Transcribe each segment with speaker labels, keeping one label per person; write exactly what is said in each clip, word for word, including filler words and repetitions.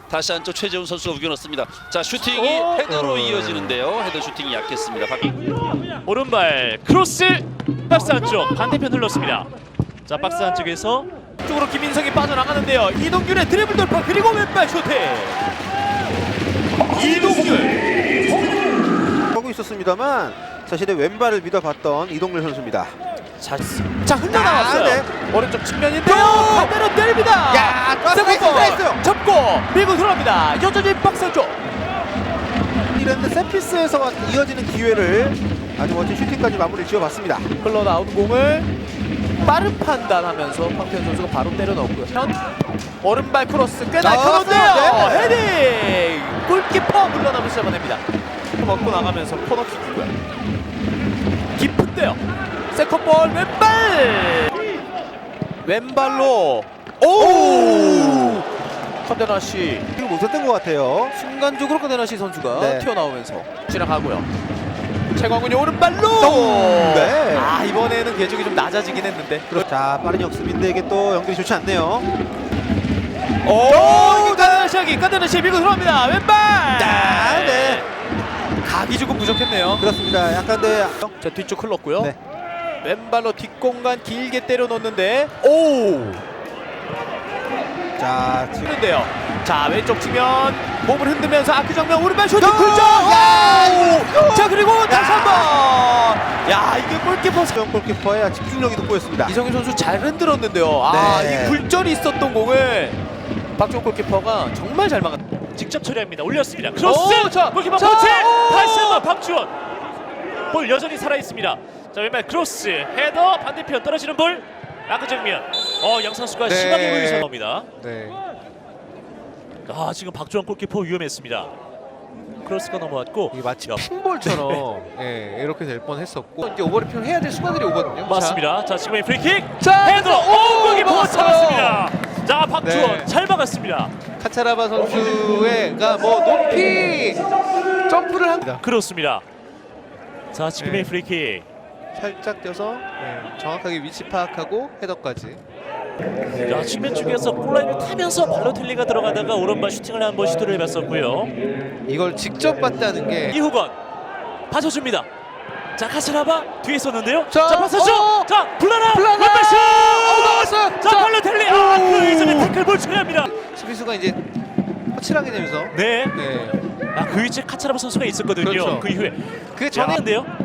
Speaker 1: 다시 한쪽 최재훈 선수가 우겨넣습니다. 자, 슈팅이
Speaker 2: 오!
Speaker 1: 헤더로 이어지는데요. 헤더 슈팅이 약했습니다. 박...
Speaker 2: 오른발 크로스 박스 안쪽 반대편 흘렀습니다. 자, 박스 안쪽에서 쪽으로 김민성이 빠져나가는데요. 이동균의 드리블 돌파 그리고 왼발 슈팅. 이동균
Speaker 3: 하고 있었습니다만 자신의 왼발을 믿어봤던 이동률 선수입니다.
Speaker 2: 자, 자 흘러나왔어요.
Speaker 3: 아, 네.
Speaker 2: 오른쪽 측면인데요.
Speaker 3: 또!
Speaker 2: 반대로 때립니다.
Speaker 3: 야, 또
Speaker 2: 세컨볼
Speaker 3: 나이스요.
Speaker 2: 접고 밀고 들어갑니다. 여전히 박스 안쪽.
Speaker 3: 이랬는데 세피스에서 이어지는 기회를 아주 멋진 슈팅까지 마무리 지어봤습니다.
Speaker 2: 흘러나온 공을 빠른 판단하면서 황태현 선수가 바로 때려 넣었고요. 현 오른발 크로스 꽤 날카로운데요.
Speaker 3: 네.
Speaker 2: 헤딩 골키퍼 물러나면서 잡아냅니다. 먹고 나가면서 코너킥이고요. 깊은데요. 세컨볼 왼발 왼발로 오 컨데나시
Speaker 3: 이거 못했던 것 같아요.
Speaker 2: 순간적으로 컨데나시 선수가
Speaker 3: 네.
Speaker 2: 튀어나오면서 지나가고요. 최광훈이 오른발로
Speaker 3: 네.
Speaker 2: 아 이번에는 궤적이 좀 낮아지긴 했는데
Speaker 3: 자, 빠른 역습인데 이게 또 연결이 좋지 않네요.
Speaker 2: 오 컨데나시하기 컨데나시 밀고 들어갑니다. 왼발
Speaker 3: 아, 네.
Speaker 2: 각이 조금 부족했네요.
Speaker 3: 그렇습니다. 약간 네.
Speaker 2: 자 뒤쪽 흘렀고요.
Speaker 3: 네.
Speaker 2: 왼발로 뒷공간 길게 때려 넣는데 오
Speaker 3: 자, 지금
Speaker 2: 치는데요. 자 왼쪽 측면 몸을 흔들면서 아크 정면 오른발 슈팅
Speaker 3: 야!
Speaker 2: 굴절.
Speaker 3: 야!
Speaker 2: 자 그리고 다시 한번. 야 이게 골키퍼
Speaker 3: 수영 골키퍼의 집중력이 돋보였습니다.
Speaker 2: 이성윤 선수 잘 흔들었는데요. 아
Speaker 3: 네.
Speaker 2: 이 굴절이 있었던 공을 박종 골키퍼가 정말 잘 막았. 직접 처리합니다. 올렸습니다. 크로스.
Speaker 3: 오, 자,
Speaker 2: 골키퍼
Speaker 3: 자,
Speaker 2: 터치.
Speaker 3: 오!
Speaker 2: 다시 한번 박주원. 볼 여전히 살아 있습니다. 자 왼발 크로스 헤더 반대편 떨어지는 볼. 아크 정면. 어 양상수가
Speaker 3: 네.
Speaker 2: 심하게 보이서 나옵니다.
Speaker 3: 네.
Speaker 2: 아 지금 박주원 골키퍼 위험했습니다. 크로스가 넘어왔고
Speaker 4: 이게 마치
Speaker 2: 야,
Speaker 4: 핀볼처럼 예, 이렇게 될 뻔했었고 이제 오버래핑 해야 될 순간들이 오거든요.
Speaker 2: 맞습니다. 자 지금의 프리킥.
Speaker 4: 자,
Speaker 2: 헤더. 오 골키퍼
Speaker 4: 먹었어요.
Speaker 2: 잡았습니다. 자 박주원
Speaker 4: 네.
Speaker 2: 잘 막았습니다.
Speaker 4: 자, 카차라바 선수가 뭐 높이 점프를 합니다.
Speaker 2: 그렇습니다. 자 지금의
Speaker 4: 네.
Speaker 2: 프리킥.
Speaker 4: 살짝 뛰어서 예, 정확하게 위치 파악하고 헤더까지.
Speaker 2: 자 측면 쪽에서 골라인을 타면서 발로텔리가 들어가다가 오른발 슈팅을 한번 시도를 해봤었고요.
Speaker 4: 이걸 직접 봤다는 게
Speaker 2: 이후건 받쳐줍니다. 자 카스라바 뒤에 있었는데요.
Speaker 4: 자,
Speaker 2: 자 받쳐줘.
Speaker 4: 어!
Speaker 2: 자 블라나
Speaker 4: 블라나!
Speaker 2: 왼발 슛.
Speaker 4: 어, 나왔어요.
Speaker 2: 자
Speaker 4: 자,
Speaker 2: 발로텔리 아그 이전에 태클볼 처리합니다.
Speaker 4: 수비수가 이제 허칠하게 되면서
Speaker 2: 네.
Speaker 4: 네.
Speaker 2: 아그 위치에 카차라바 선수가 있었거든요.
Speaker 4: 그렇죠.
Speaker 2: 그 이후에
Speaker 4: 그 전에
Speaker 2: 전인데요.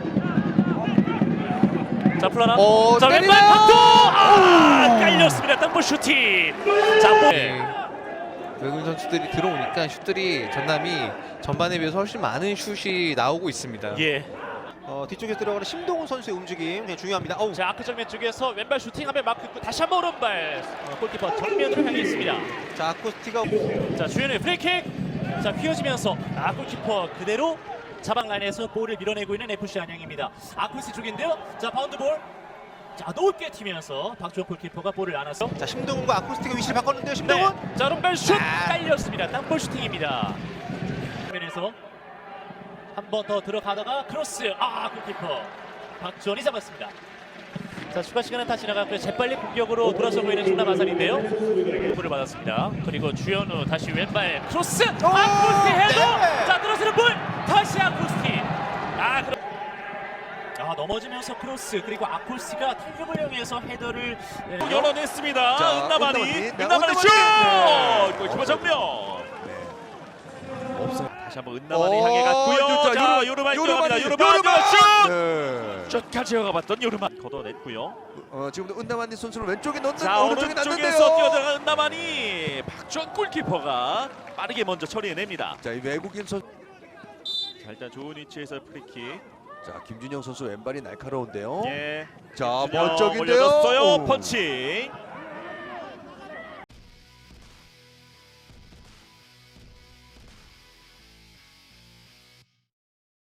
Speaker 2: 자 플라나.
Speaker 4: 어,
Speaker 2: 자 왼발
Speaker 4: 때리나요?
Speaker 2: 박도. 아 깔렸습니다. 땅볼 슈팅. 자 볼.
Speaker 4: 네. 외국인 선수들이 들어오니까 슛들이 전남이 전반에 비해서 훨씬 많은 슛이 나오고 있습니다.
Speaker 2: 예.
Speaker 3: 어, 뒤쪽에 들어가는 심동훈 선수의 움직임 굉장히 중요합니다. 어우.
Speaker 2: 자 아크 정면 쪽에서 왼발 슈팅하면 마크 있고 다시 한번 오른발 어, 골키퍼 정면으로 향해 있습니다.
Speaker 3: 자, 아쿠스티가
Speaker 2: 자 주현의 프리킥. 자 휘어지면서 아 골키퍼 그대로 자방 라인에서 볼을 밀어내고 있는 에프씨 안양입니다. 아쿠스 쪽인데요. 자 바운드 볼. 자 높게 튀면서 박주호 골키퍼가 볼을 안아서.
Speaker 3: 자, 심동훈과 아쿠스티가 위치를 바꿨는데요. 심동훈.
Speaker 2: 네. 자 오른발 슛
Speaker 3: 아.
Speaker 2: 깔렸습니다. 땅볼 슈팅입니다. 화면에서 한 번 더 들어가다가 크로스. 아 골키퍼 박주원이 잡았습니다. 자 추가 시간은 다 지나갔고요. 재빨리 공격으로 돌아서고 있는 충남 아산인데요. 볼을 받았습니다. 그리고 주현우 다시 왼발 크로스. 아쿠스티 헤더.
Speaker 3: 네.
Speaker 2: 자 들어서는 볼. 다시 아쿠스티. 아 그럼. 아 넘어지면서 크로스 그리고 아쿠스티가 탄력을 이용해서 헤더를 네, 열어냈습니다.
Speaker 3: 자,
Speaker 2: 은나만이
Speaker 3: 은나만이. 네,
Speaker 2: 은나만이 슛.
Speaker 3: 은나만이.
Speaker 2: 골키퍼 정면. 없어요. 다시 한번 은나만이
Speaker 4: 오,
Speaker 2: 향해 갔고요.
Speaker 4: 좋다.
Speaker 2: 자
Speaker 4: 요르만,
Speaker 2: 요르만
Speaker 4: 요르만이,
Speaker 2: 들어갑니다. 요르만
Speaker 4: 요르만!
Speaker 2: 슛.
Speaker 4: 네.
Speaker 2: 슛까지 가봤던 요르만 걷어냈고요.
Speaker 4: 어, 지금도 은다만니 선수는 왼쪽에 넣는
Speaker 2: 자
Speaker 4: 오른쪽에
Speaker 2: 오른쪽에서
Speaker 4: 났는데요.
Speaker 2: 뛰어들어간 은나만이 박주원 골키퍼가 빠르게 먼저 처리해냅니다.
Speaker 4: 자, 이 외국인 선수.
Speaker 2: 자 일단 좋은 위치에서 프리킥.
Speaker 4: 자, 김준영 선수 왼발이 날카로운데요.
Speaker 2: 예.
Speaker 4: 자,
Speaker 2: 준영
Speaker 4: 멋쩍인데요.
Speaker 2: 올려줬어요.
Speaker 4: 오.
Speaker 2: 펀치.